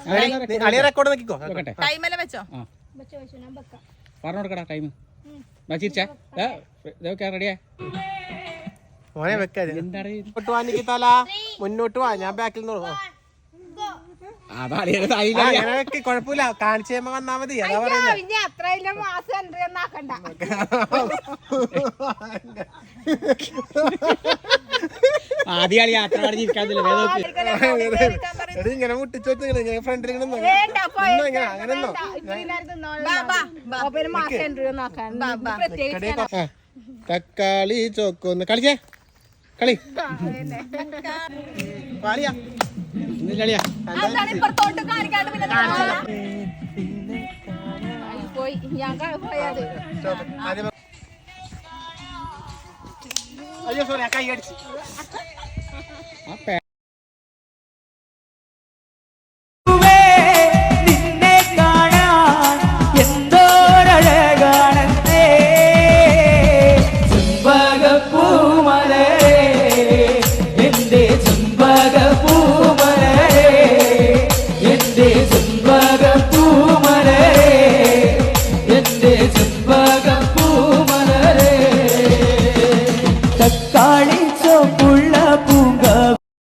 അളിയ റെക്കോർഡ് നോക്കിക്കോ. ടൈമെല്ലാം വെച്ചോ? പറഞ്ഞു കൊടുക്കടാ ടൈം. ചിരിച്ചാ റെഡിയാ മോനെ വെക്കാതെ മുന്നോട്ട് വാ നിക്കിത്താല, മുന്നോട്ട് വാ, ഞാൻ ബാക്കിൽ നിന്ന് കൊഴപ്പില്ല, കാണിച്ചു കഴിയുമ്പോ വന്നാ മതി. അതാ പറയുന്നത്. ഇങ്ങനെ മുട്ടിച്ചു വെച്ചിങ്ങനെ ഫ്രണ്ടിൽ തക്കാളി ചോക്കൊന്ന് കളിച്ചേ കളി കളിയാ അയ്യോ സോറി കൈ അടിച്ചു.